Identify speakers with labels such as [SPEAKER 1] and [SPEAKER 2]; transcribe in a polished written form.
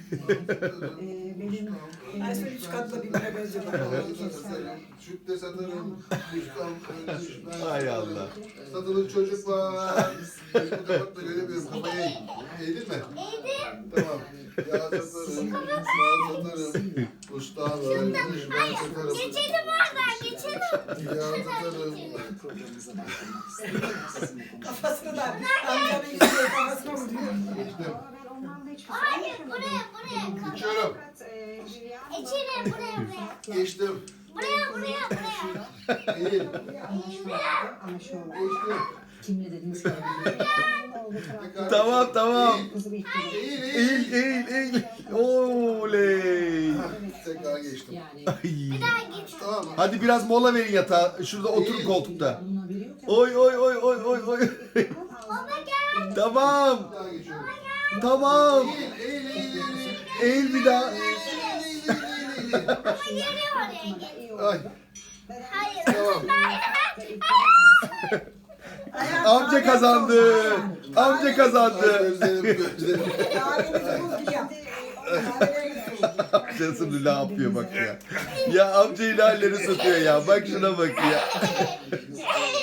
[SPEAKER 1] Her şey 3 katla birbirine benziyor.
[SPEAKER 2] Süt de satarım.
[SPEAKER 3] Hay Allah.
[SPEAKER 2] Satılık çocuk var. Gözümü kapatma göremiyorum. Kafayı eğ. Eğdin mi? Eğdim. Tamam. Yağ satarım. Mal satarım. Usta var. Ben satarım.
[SPEAKER 4] Geçelim oradan geçelim.
[SPEAKER 2] Yağ satarım.
[SPEAKER 1] Kafasını da amcanın yüzüne kafasına vuruyor.
[SPEAKER 2] Geçtim.
[SPEAKER 4] Hayır buraya.
[SPEAKER 2] Geçiyorum.
[SPEAKER 4] İçeri buraya.
[SPEAKER 2] Geçtim.
[SPEAKER 4] Buraya.
[SPEAKER 2] Eğil. Geçtim.
[SPEAKER 5] Kimle dediniz ki?
[SPEAKER 3] Tamam.
[SPEAKER 2] Eğil.
[SPEAKER 3] Eğil. Oley.
[SPEAKER 2] Tekrar geçtim.
[SPEAKER 5] Yani
[SPEAKER 3] Ay.
[SPEAKER 4] Bir daha git.
[SPEAKER 2] Tamam mı?
[SPEAKER 3] Hadi biraz mola verin yatağa. Şurada oturun koltukta.
[SPEAKER 5] bunun haberi yok.
[SPEAKER 3] Oy.
[SPEAKER 4] Baba gel.
[SPEAKER 3] Tamam.
[SPEAKER 2] Bir daha geçiyorum.
[SPEAKER 3] Tamam.
[SPEAKER 2] Eğil.
[SPEAKER 3] Eğil bir daha.
[SPEAKER 4] Ama geri oraya git.
[SPEAKER 2] Ay.
[SPEAKER 4] Hayır.
[SPEAKER 2] Tamam.
[SPEAKER 3] Amca kazandı. Amca
[SPEAKER 2] Ay,
[SPEAKER 3] kazandı.
[SPEAKER 2] Gözlerim.
[SPEAKER 1] Kahvenizi buz gibi yap. Kahvelerinizi buz.
[SPEAKER 3] Amcasını ne yapıyor bak ya. Ya amca ilerleri satıyor ya. Bak şuna bak ya.